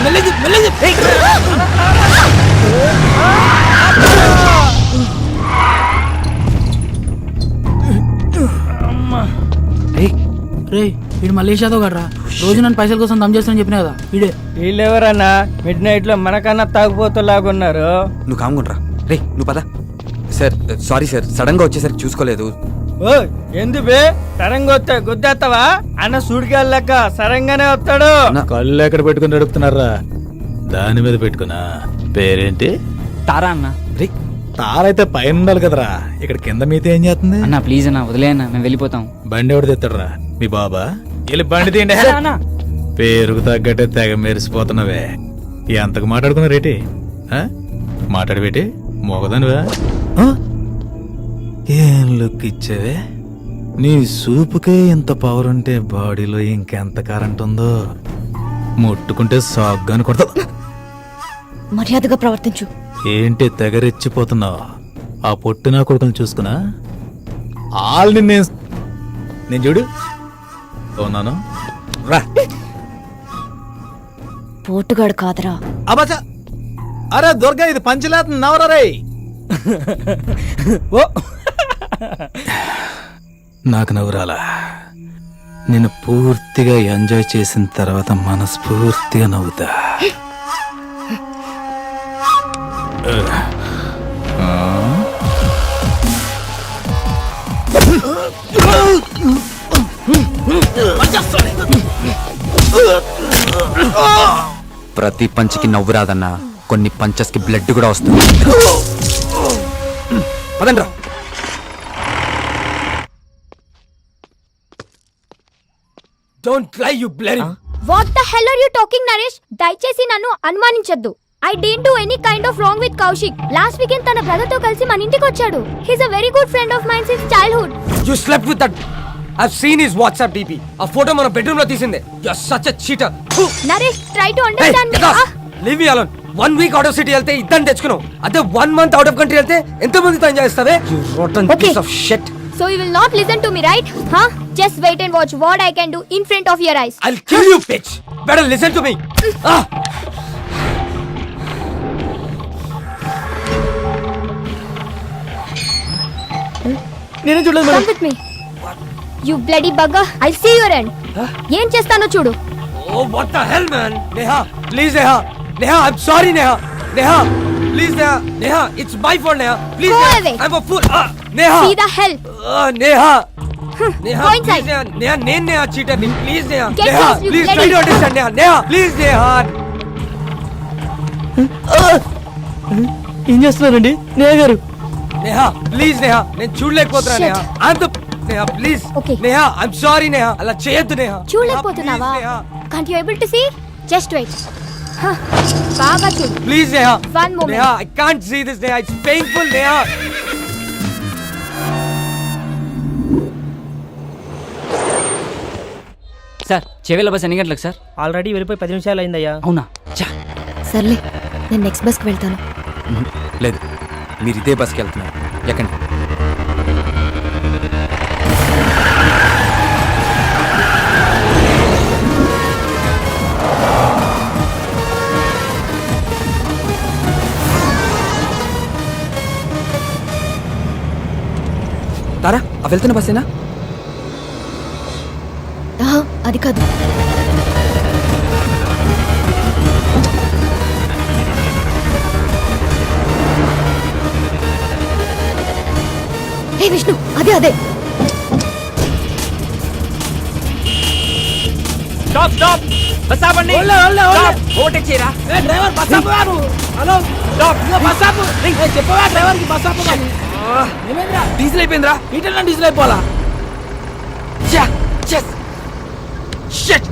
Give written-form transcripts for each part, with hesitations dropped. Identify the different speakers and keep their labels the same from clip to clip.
Speaker 1: వీడు మలేషియా తో కదరా, రోజు నన్ను పైసల కోసం దమ్ చేస్తానని చెప్పినా కదా వీడే.
Speaker 2: వీళ్ళెవరన్నా మిడ్ నైట్ లో మనకన్నా తాగుపోతులాగున్నారు.
Speaker 3: నువ్వు కామ్గుండ్రా. రే నువ్వు పద. సార్ సారీ సార్, సడన్ గా వచ్చేసరికి చూసుకోలేదు.
Speaker 2: ఓ ఎందుబే సరంగా వస్తే గుద్దేస్తావా? అన్న సూడికెళ్ళక సరంగానే వస్తాడు.
Speaker 4: కళ్ళు ఎక్కడ పెట్టుకుని నడుపుతున్నారా? దాని మీద పెట్టుకున్నా. పేరేంటి?
Speaker 5: తారా అన్న.
Speaker 3: రే
Speaker 4: తారైతే పైన ఉండాలి కదరా, ఇక్కడ కింద మీతో ఏం చేస్తుంది?
Speaker 5: అన్న ప్లీజ్ అన్న వదిలే అన్న, మేము వెళ్ళిపోతాం.
Speaker 4: బండి ఎవడు తెస్తాడరా? మీ బాబా? వెళ్ళి బండి తీయండి. పేరుకు తగ్గట్టే తెగ మెరిసిపోతున్నావే. ఎంతకు మాట్లాడుకున్నారేటి? మాట్లాడబెట్టి మోగదానివా? ఏం లుక్ ఇచ్చావే? నీ సూపుకే ఇంత పవర్ ఉంటే బాడీలో ఇంకెంత కరెంట్ ఉందో. ముట్టుకుంటే సాగ్గాని కొడతా.
Speaker 6: మర్యాదగా ప్రవర్తించు.
Speaker 4: ఏంటి తెగరెచ్చిపోతున్నావు? ఆ పొట్టినా కొడుకుని చూసుకున్నా ఆల్ని నేను చూడు ఉన్నాను. రా
Speaker 6: పోటుగాడు కాదరా.
Speaker 4: అబ్బా అరే దుర్గా, ఇది పంచలేత నవరా రే. ఓ నాకు నవ్వురాలా? నేను పూర్తిగా ఎంజాయ్ చేసిన తర్వాత మనస్ఫూర్తిగా నవ్వుతా.
Speaker 3: ప్రతి పంచికి నవ్వు రాదన్నా, కొన్ని పంచెస్ కి బ్లడ్ కూడా వస్తుంది. పదండ్రా.
Speaker 7: Don't lie, you bloody.
Speaker 8: What the hell are you talking, Naresh? దయచేసి నన్ను అనుమానించొద్దు. I didn't do any kind of wrong with Kaushik. Last weekend తన బ్రదర్ తో కలిసి మన ఇంటికి వచ్చాడు. He's a very good friend of mine since childhood.
Speaker 7: You slept with that. I've seen his WhatsApp DP. ఆ ఫోటో మన bedroom లో తీసిందే. You're such a cheater.
Speaker 8: Naresh, try to understand me.
Speaker 7: Leave me alone. 1 week out of city వెళ్తే ఇద్దరిని తెచ్చుకున్నావు. అదే 1 month out of country వెళ్తే ఎంత మందితో ఎంజాయ్ చేస్తావే? You rotten piece of shit.
Speaker 8: So you will not listen to me, right? Huh? Just wait and watch what I can do in front of your eyes.
Speaker 7: I'll kill you, bitch. Better listen to me.
Speaker 1: నేనే చూడలేదు
Speaker 8: Come with me. You bloody bugger. I'll see your end. ఏం చేస్తానో చూడు.
Speaker 7: Oh, what the hell, man? Neha, please, Neha. Neha, I'm sorry, Neha. Neha, please, Neha. Neha, it's my fault, Neha. Please,
Speaker 8: Go
Speaker 7: Neha.
Speaker 8: away.
Speaker 7: I'm a fool. Neha.
Speaker 8: See the hell.
Speaker 7: Neha. Neha,
Speaker 8: Go
Speaker 7: please,
Speaker 8: inside.
Speaker 7: Neha. Neha, name Neha, cheater. Please, Neha.
Speaker 8: Get
Speaker 7: Neha,
Speaker 8: lost, you
Speaker 7: please
Speaker 8: bloody-
Speaker 7: try to understand, Neha. Neha, please, Neha.
Speaker 1: ఏం చేస్తున్నారండి నేహ గారు?
Speaker 7: Neha, please, Neha. నేను చూడలేకపోతున్నా,
Speaker 8: Shit.
Speaker 7: Neha. I'm the... Neha, please.
Speaker 8: Okay.
Speaker 7: Neha, I'm sorry, Neha. అలా చేయొద్దు, Neha.
Speaker 8: చూడలేకపోతున్నావా?
Speaker 7: Neha,
Speaker 8: Can't you able to see? Just wait. బాగా చూడు.
Speaker 7: please, Neha.
Speaker 8: One moment.
Speaker 7: Neha, I can't see this, Neha. It's painful, Neha.
Speaker 5: Sir చెవిల bus ఎన్ని గంటలకు sir?
Speaker 2: Already వెళ్ళిపోయి 10 నిమిషాలు అయిందయ్యా.
Speaker 5: అవునా?
Speaker 6: సర్లే, నేను నెక్స్ట్ బస్కి వెళ్తాను.
Speaker 3: లేదు, మీరు ఇదే బస్కి వెళ్తున్నారు. ఎక్కండి. తారా, ఆ వెళ్తున్న బస్సేనా?
Speaker 6: అది కాదు. హే విష్ణు, అదే అదే.
Speaker 2: Stop stop. బస్ ఆపండి. స్టాప్. ఓవర్టేక్ చేయరా.
Speaker 1: డ్రైవర్ బస్ ఆపు. Hello
Speaker 2: stop.
Speaker 1: బస్ ఆపు. చెప్పవా డ్రైవర్ కి బస్ ఆపు. ఏమైందిరా?
Speaker 7: డీజిల్ అయిపోయిందిరా.
Speaker 1: ఇటన్నా డీజిల్ అయిపోవాలా?
Speaker 7: Shit.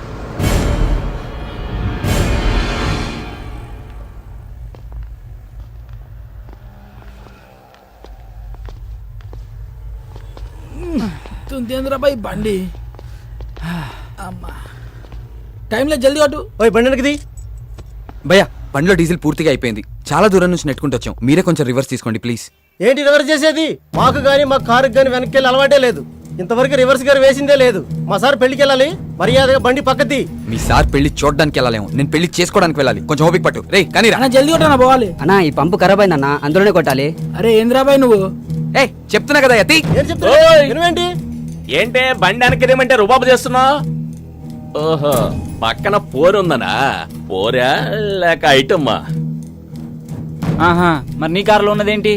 Speaker 1: తుందేంద్ర బాయ్ బండి. అమ్మా టైంలో జల్దీ అటు.
Speaker 2: ఓయ్ బండి
Speaker 3: భయ్యా, బండిలో డీజిల్ పూర్తిగా అయిపోయింది. చాలా దూరం నుంచి నెట్టుకుంటూ వచ్చాం. మీరే కొంచెం రివర్స్ తీసుకోండి ప్లీజ్.
Speaker 2: ఏంటి రివర్స్ చేసేది? మాకు గానీ మా కారుకి గానీ వెనక్కి వెళ్ళి అలవాటే లేదు.
Speaker 1: ఇంతవరకు రివర్స్ గేర్ వేసిందే లేదు. మా సార్ పెళ్లికి వెళ్ళాలి, మర్యాదగా బండి పక్కది.
Speaker 3: మీ సార్ పెళ్లి చూడడానికి వెళ్ళాలేమో, నేను పెళ్లి చేసుకోవడానికి వెళ్ళాలి. కొంచెం ఓపిక పట్టు. రే కానీ రా.
Speaker 1: అన్న జల్దీ కొట్టనా పోవాలి.
Speaker 5: అన్నా ఈ పంపు ఖరాబ్ అయిందన్నా, అందులోనే కొట్టాలి.
Speaker 1: అరే ఏంద్రాబాయ్ నువ్వు?
Speaker 3: ఏ చెప్తున్నా కదా యతి.
Speaker 1: ఏం చెప్తున్నా? వినవేంటి?
Speaker 9: ఏంటే బండి వెనకదేమంటే రుబాబు చేస్తున్నా? ఓహో, పక్కన పోరుందనా? పోరా లేక ఐటమ్మా?
Speaker 5: ఆహా, మరి నీ కారులో ఉన్నదేంటి?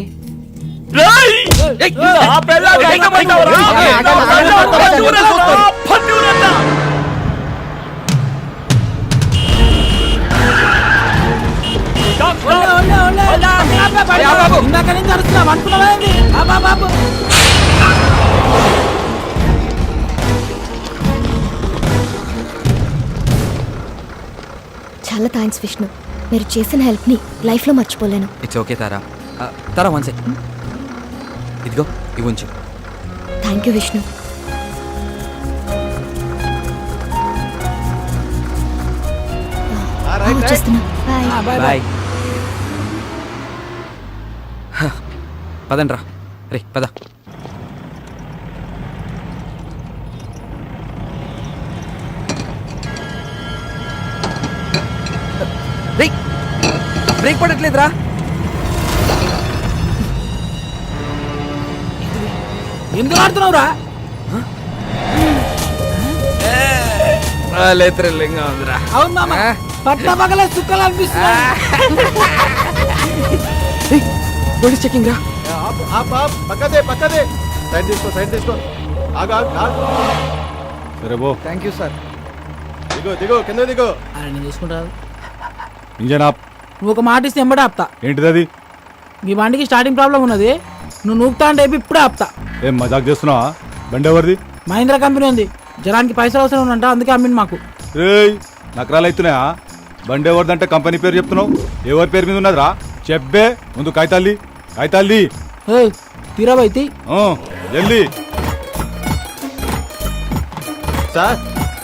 Speaker 1: ఇందాక నుంచి అరుస్తున్నావు అనుకున్నావా ఏంది? బాబు
Speaker 6: చాలా థ్యాంక్స్ విష్ణు. మీరు చేసిన హెల్ప్ని లైఫ్లో మర్చిపోలేను.
Speaker 3: It's okay Tara. Tara one sec. ఇదిగో ఇవి ఉంచు.
Speaker 6: Thank you Vishnu. వచ్చేస్తున్నా. బాయ్.
Speaker 3: బాయ్. పదండ్రా. రే పద. రే బ్రేక్ పడట్లేదురా.
Speaker 1: ఎందుకు ఆడుతున్నావురా?
Speaker 3: థ్రిల్లింగ్ ఉందిరా.
Speaker 1: అవును మామ, పట్ల పగల సుక్కలు అనిపిస్తున్నా.
Speaker 3: పోలీస్ చెకింగ్ రా.
Speaker 1: పక్కదే సైడ్ తీసుకో
Speaker 10: సరే బో.
Speaker 1: Thank you sir.
Speaker 10: దిగో కింద దిగో.
Speaker 1: అరే నేను చూసుకుంటాను.
Speaker 10: ఇంజన్ ఆప్.
Speaker 1: నువ్వు ఒక మాట ఇస్తే ఎంబడే ఆపుతా.
Speaker 10: ఏంటిది అది?
Speaker 1: మీ బండికి స్టార్టింగ్ ప్రాబ్లం ఉన్నది, నువ్వు నూపుతా అంటే ఇప్పుడే ఆపుతా.
Speaker 10: ఏం మజాక్ చేస్తున్నావా? బండి ఎవరిది?
Speaker 1: మహీంద్రా కంపెనీ ఉంది, జనానికి పైసలు అవసరం ఉందంట, అందుకే అమ్మింది మాకు.
Speaker 10: రేయ్ నకరాలు అవుతున్నాయా? బండి ఎవరిదంటే కంపెనీ పేరు చెప్తున్నావు, ఎవరి పేరు మీద ఉన్నదిరా? చెప్పే ముందు కాగితాల్ది.
Speaker 1: తీరాబైతి
Speaker 10: జల్దీ.
Speaker 1: సార్,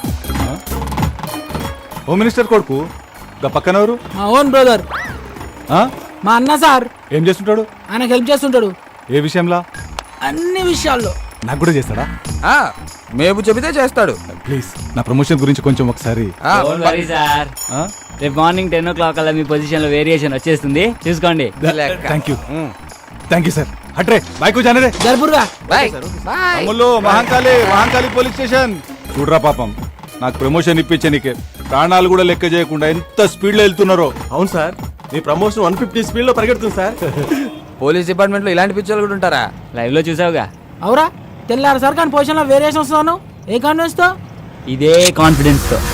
Speaker 10: హోమ్ మినిస్టర్ కొడుకు గా పక్కన ఎవరు?
Speaker 1: మా ఓన్ బ్రదర్,
Speaker 10: ఆ?
Speaker 1: మా అన్న సార్.
Speaker 10: ఏం చేస్తుంటాడు?
Speaker 1: ఆయనకు హెల్ప్ చేస్తుంటాడు
Speaker 10: ఏ విషయంలా?
Speaker 1: అన్ని విషయాల్లో.
Speaker 10: నాకు కూడా చేస్తాడా?
Speaker 3: మేపు చెబితే చేస్తాడు.
Speaker 10: ప్లీజ్ నా ప్రమోషన్ గురించి కొంచెం ఒకసారి.
Speaker 5: సార్
Speaker 10: ఆ?
Speaker 5: రేపు మార్నింగ్ 10 o'clock అలా మీ పొజిషన్ లో వేరియేషన్ వచ్చేస్తుంది, చూసుకోండి.
Speaker 10: Thank you sir. అట్రే బైకు జానరే.
Speaker 1: జరుపురుగా.
Speaker 10: అమ్ముల్లో మహంకాళి పోలీస్ స్టేషన్. చూడరా పాపం, నాకు ప్రమోషన్ ఇప్పించే నీకే ప్రాణాలు కూడా లెక్క చేయకుండా ఎంత స్పీడ్ లో వెళ్తున్నారో.
Speaker 1: అవును సార్, మీ ప్రమోషన్ 150 స్పీడ్ లో పరిగెడుతుంది సార్.
Speaker 3: పోలీస్ డిపార్ట్మెంట్ లో ఇలాంటి పిచ్చోళ్ళు కూడా ఉంటారా?
Speaker 5: లైవ్ లో చూసావుగా.
Speaker 1: అవురా, తెల్లారు సార్ కానీ పొజిషన్ లో వేరియేషన్ వస్తున్నాను. ఏ కాన్ఫిడెన్స్ తో?
Speaker 5: ఇదే కాన్ఫిడెన్స్ తో.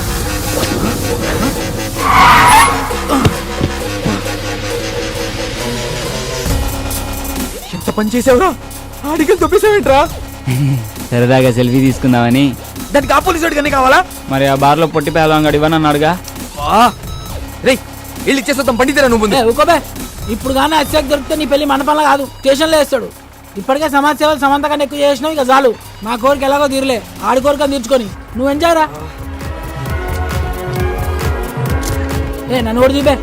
Speaker 3: ఎంత పని చేసావురా? ఆడికి తొప్పేసావేంట్రా?
Speaker 5: సరదాగా సెల్ఫీ తీసుకుందామని.
Speaker 3: దానికి ఆ పోలీసు వాడికి కావాలా?
Speaker 5: మరి ఆ బార్ లో పొట్టి పేదవాడు ఇవ్వనన్నాడుగా.
Speaker 3: రే వెళ్ళి ఇచ్చేస్తాం, బండి తీరా నువ్వు.
Speaker 1: ఊకోబే, ఇప్పుడు కానీ అత్యాక్ దొరికితే నీ పెళ్లి మండపంలో కాదు స్టేషన్లో వేస్తాడు. ఇప్పటికే సమాజ సేవలు సమంతగా ఎక్కువ చేసినావు, ఇక చాలు. మా కోరిక ఎలాగో తీరలే, ఆడి కోరిక తీర్చుకొని నువ్వు ఎంజాయ్ రా. నన్ను కూడా చూపే.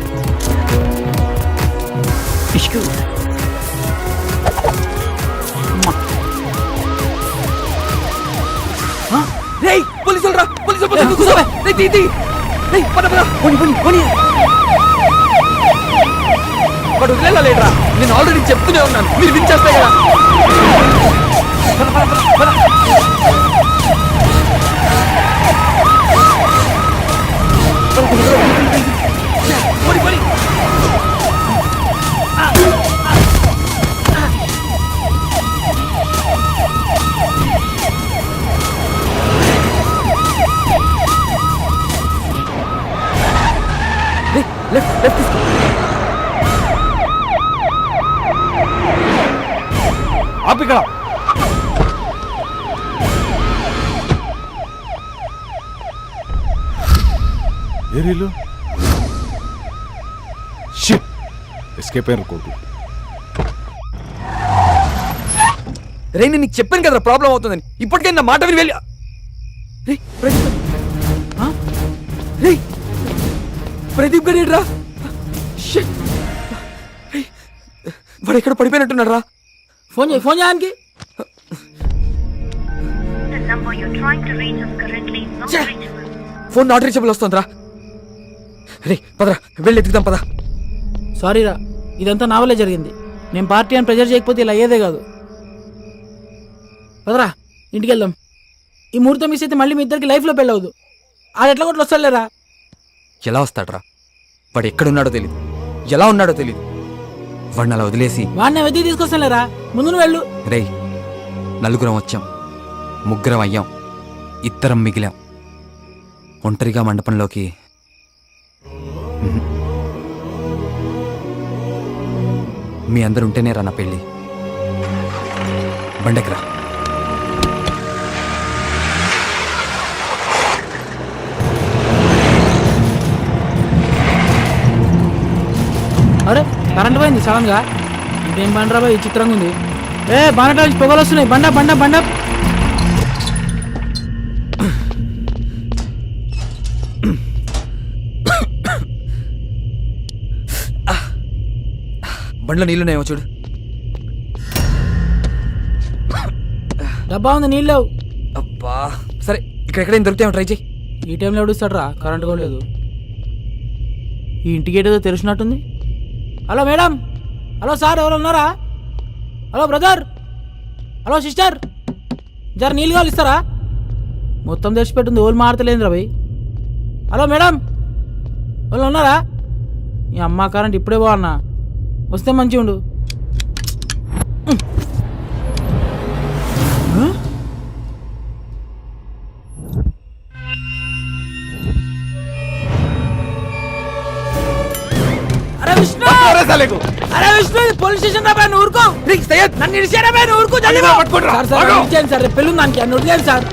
Speaker 3: పోలీసులు రా, పోలీసులు. వాడు వదిలేరా? నేను ఆల్రెడీ చెప్తూనే ఉన్నాను, మీరు వినిచేస్తాయి కదా. లెఫ్ట్ తీసుకో.
Speaker 10: ఆపిక్కడ. ఏరీలు ఎస్కేప్ అయిన కోర్టు.
Speaker 3: రే నేను నీకు చెప్పాను కదా ప్రాబ్లం అవుతుందని, ఇప్పటికే నా మాట విని వెళ్ళి. ప్రదీప్ గారు రా, వాడు ఎక్కడ పడిపోయినట్టున్నాడు రా.
Speaker 1: ఫోన్ చేయడానికి.
Speaker 3: ఫోన్ నాట్ రీచబుల్ వస్తుందిరా. రే పదరా వెళ్ళి ఎత్తుకుదాం పదా.
Speaker 1: సారీరా, ఇదంతా నా వల్లే జరిగింది. నేను పార్టీ అని ప్రెజర్ చేయకపోతే ఇలా అయ్యేదే కాదు. పదరా ఇంటికి వెళ్దాం. ఈ ముహూర్తం మిస్ అయితే మళ్ళీ మీ ఇద్దరికి లైఫ్లో పెళ్ళవద్దు. ఆడు ఎట్లా కొట్లు వస్తాడులేరా.
Speaker 3: ఎలా వస్తాడ్రా? వాడు ఎక్కడున్నాడో తెలీదు, ఎలా ఉన్నాడో తెలీదు. వాడిని అలా వదిలేసి
Speaker 1: వాడిని వెతికి తీసుకొస్తానులేరా. ముందు నువ్వు వెళ్ళు.
Speaker 3: రే నలుగురం వచ్చాం, ముగ్గురం అయ్యాం, ఇద్దరం మిగిలాం. ఒంటరిగా మండపంలోకి మీ అందరు ఉంటేనే రా నా పెళ్ళి. బండెక్కరా.
Speaker 1: అరే కరెంట్ పోయింది సడన్ గా. ఇదేం బండరా బాయ్, చిత్రంగా ఉంది. బానట నుంచి పొగలు వస్తున్నాయి. బండ బండ బండ.
Speaker 3: బండ్లో నీళ్ళున్నాయేమో చూడు.
Speaker 1: డబ్బా ఉంది, నీళ్ళు లేవు.
Speaker 3: అబ్బా సరే, ఇక్కడ ఎక్కడైనా దొరుకుతాయేమో ట్రై చేయి.
Speaker 1: ఈ టైంలో ఎవడుస్తాడు రా, కరెంట్ కూడా లేదు. ఈ ఇంటికి ఏదో తెరిచినట్టుంది. హలో మేడం, హలో సార్, ఎవరు ఉన్నారా? హలో బ్రదర్, హలో సిస్టర్, జర నీళ్ళు కావాలి ఇస్తారా? మొత్తం తెరిచిపెట్టుంది, ఓళ్ళు మారతలేదురా భయ్. హలో మేడం, వాళ్ళు ఉన్నారా? ఈ అమ్మ కరెంట్ ఇప్పుడే బాగున్నా, వస్తే మంచిగా ఉండు. అరే విష్ణు, అరే విష్ణు, పోలీస్ స్టేషన్ రా బాయ్, నువ్వు ఊరుకో. నన్ను ఇడిచారా బాయ్, నువ్వు ఊరుకో. సార్ సార్ ఇచ్చేయండి సార్, రేపు పెళ్ళి ఉంది దానికి, అన్ను వదిలేయండి సార్.